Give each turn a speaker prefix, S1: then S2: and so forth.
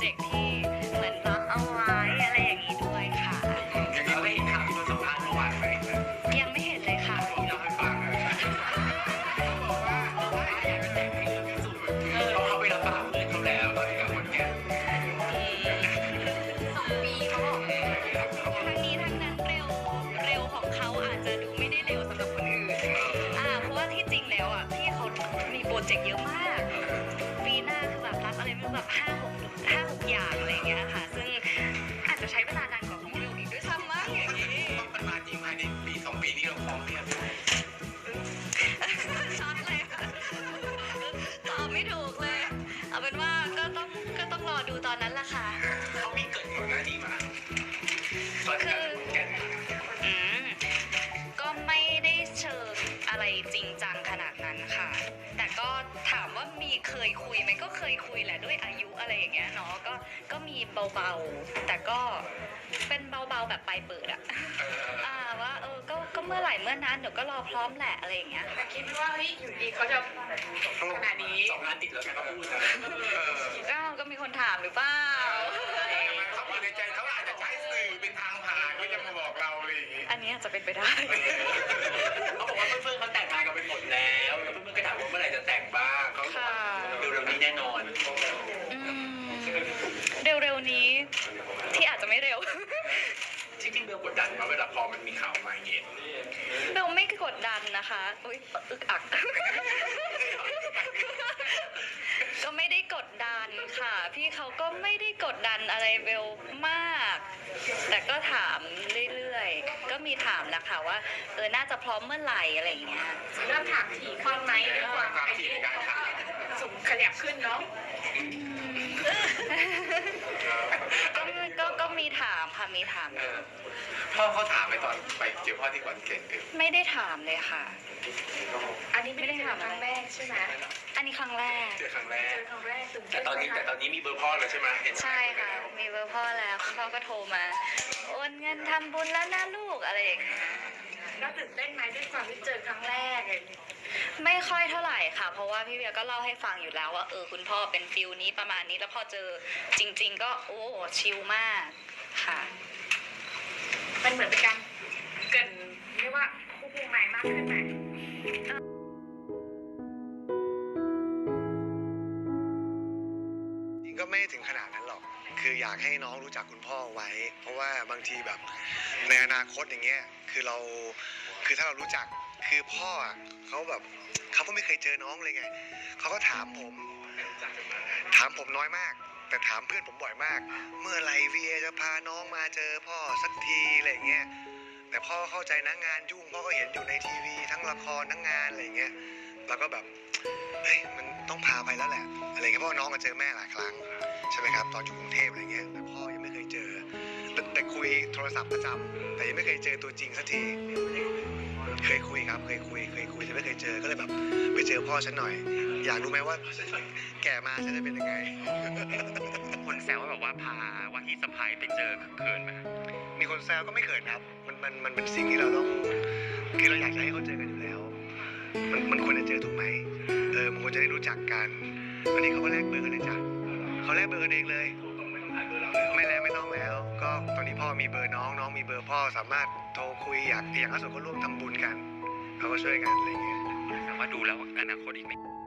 S1: จกต์ที่เหมือนล็อกเอาไว้อะไรอย่างนี้ด้วยค่ะ
S2: อย่างนี้ไม่เห็นข่าวที่โดนสัมภาษณ์เมื่อวานไหม
S1: ยังไม่เห็นเลยค่ะ
S2: ที่เราให้ฟังเขาบอกว่าอยากจะแต่งให้เร็วที่สุดเขาไปรับปากเพื่อนเขาแล้วตอนนี้กับคนแก่
S1: 2 ปีเขาบอกทั้งนี้ทั้งนั้นเร็วของเขาอาจจะดูไม่ได้เร็วสำหรับคนอื่นเพราะว่าที่จริงแล้วพี่เขามีโปรเจกต์เยอะมากปีหน้าคือแบบรับอะไรไม่รู้แบบ5-6 อย่างอะไรอย่างเงี้ยค่ะซึ่งอาจจะใช้เวลานานกว่าของเร็วอีกด้วยซ้ำมั้งอย่างนี้
S2: มันมาจริงภายในปี2 ปีนี้เราพร้อมเนี่ย
S1: ช็อตเลยค่ะตอบไม่ถูกเลยเอาเป็นว่าก็ต้องรอดูตอนนั้นแหละค่ะ
S2: เขามีเกิดก่อนหน้านี้มา
S1: คือก็ไม่ได้เชิงอะไรจริงจังขนาดนั้นค่ะแต่ก็ถามว่ามีเคยคุยไหมก็เคยคุยแหละด้วยอายุอะไรอย่างเงี้ยเนาะก็มีเบาๆแต่ก็เป็นเบาๆแบบปลายเปิดว่าก็เมื่อไหร่เมื่อนั้นเดี๋ยวก็รอพร้อมแหละอะไรอย่างเงี้ย
S3: แต่คิดว่าเฮ้ยอยู่ดีเขาจะขนาดนี้
S2: 2 งานติดแล้วแกก็พูด
S1: ก็มีคนถามหรือเปล่า
S2: เขาอยู่ในใจเขาอาจจะใช้สื่อเป็นทางผ่านก็จะมาบอกเราอะไรอย่างงี้
S1: อันนี้อาจจะเป็นไปได้
S2: เขาบอกว่าเพื่อนๆเขาแต่งงานกันไปหมดแล้วเพื่อนๆก็ถามว่าเมื่อไหร่จะแต่งบ้างเขาเร็วๆนี้แน่นอน
S1: เร็วๆนี้ที่อาจจะไม่เร็ว
S2: จริงๆเบลกดดันมาเวลาพอมันมีข่าวมาอย่างเงี้ย
S1: เบลไม่กดดันนะคะอุ๊ยอึกอักก็ไม่ได้กดดันค่ะพี่เขาก็ไม่ได้กดดันอะไรเบลมากแต่ก็ถามเรื่อยๆก็มีถามแหละค่ะว่าน่าจะพร้อมเมื่อไหร่อะไรอย่างเงี้ย
S3: เริ่มถามถี่ขึ้นไหมด้วยความอายุสูงขยับขึ้นเนาะ
S1: ก็มีถามค่ะมีถาม
S2: พ่อเขาถามไปตอนไปเจอพ่อที่ขอนแก่น
S1: ไม่ได้ถามเลยค่ะ
S3: อันนี้ไม่ได้ถามครั้งแรกใช่ไหม
S1: อันนี้ครั้งแรก
S2: เจอครั้งแรก
S3: แต่ตอน
S2: นี้มีเบอร์พ่อแล้วใช่ไหม
S1: ใช่ค่ะมีเบอร์พ่อแล้วคุณพ่อก็โทรมาโอนเงินทำบุญแล้วนะลูกอะไรอย่างเงี้ย
S3: แล้วตื่นเต้นไหมด้วยความที่เจอครั้งแรก
S1: ไม่ค่อยเท่าไหร่ค่ะเพราะว่าพี่เบียร์ก็เล่าให้ฟังอยู่แล้วว่าคุณพ่อเป็นฟิลนี้ประมาณนี้แล้วพอเจอจริงๆก็โอ้ชิลมากค่ะ
S3: มันเหมือนเป็นการเกินเรียกว่าควบคุมใหม่มากขึ้นไหม
S4: จริงก็ไม่ถึงขนาดนั้นหรอกคืออยากให้น้องรู้จักคุณพ่อไว้เพราะว่าบางทีแบบในอนาคตอย่างเงี้ยคือถ้าเรารู้จักคือพ่อเขาแบบเขาก็ไม่เคยเจอน้องเลยไงเขาก็ถามผมน้อยมากแต่ถามเพื่อนผมบ่อยมากเมื่อไหร่วีเอจะพาน้องมาเจอพ่อสักทีอะไรเงี้ยแต่พ่อเข้าใจนะงานยุ่งพ่อก็เห็นอยู่ในทีวีทั้งละครทั้งงานอะไรเงี้ยแล้วก็แบบเฮ้ยมันต้องพาไปแล้วแหละอะไรเงี้ยเพราะน้องก็เจอแม่หลายครั้งใช่ไหมครับตอนอยู่กรุงเทพอะไรเงี้ยแต่พ่อยังไม่เคยเจอแต่คุยโทรศัพท์ประจำแต่ยังไม่เคยเจอตัวจริงสักทีเคยคุยครับเคยคุยแต่ไม่เคยเจอก็เลยแบบไปเจอพ่อฉันหน่อยอยากรู้ไหมว่าแก่มาฉันจะเป็นยังไง
S2: คนแซวว่าแบบว่าพาว่าที่สะพายไปเจอเขินไหม
S4: มีคนแซวก็ไม่เขินครับมันเป็นสิ่งที่เราต้องคือเราอยากจะให้เขาเจอกันอยู่แล้วมันควรจะเจอถูกไหมมันควรจะได้รู้จักกันวันนี้เขาก็แลกเบอร์กันเลยจ้ะเขาแลกเบอร์กันเองเลยไม่ต้องแล้วก็ตอนนี้พ่อมีเบอร์น้องมีเบอร์พ่อสามารถโทรคุยอย่างล่าสุดก็ร่วมทำบุญกันเขาก็ช่วยกันอะไรเงี้ย
S2: แต่ว่าดูแล้วอนาคตอีกไม่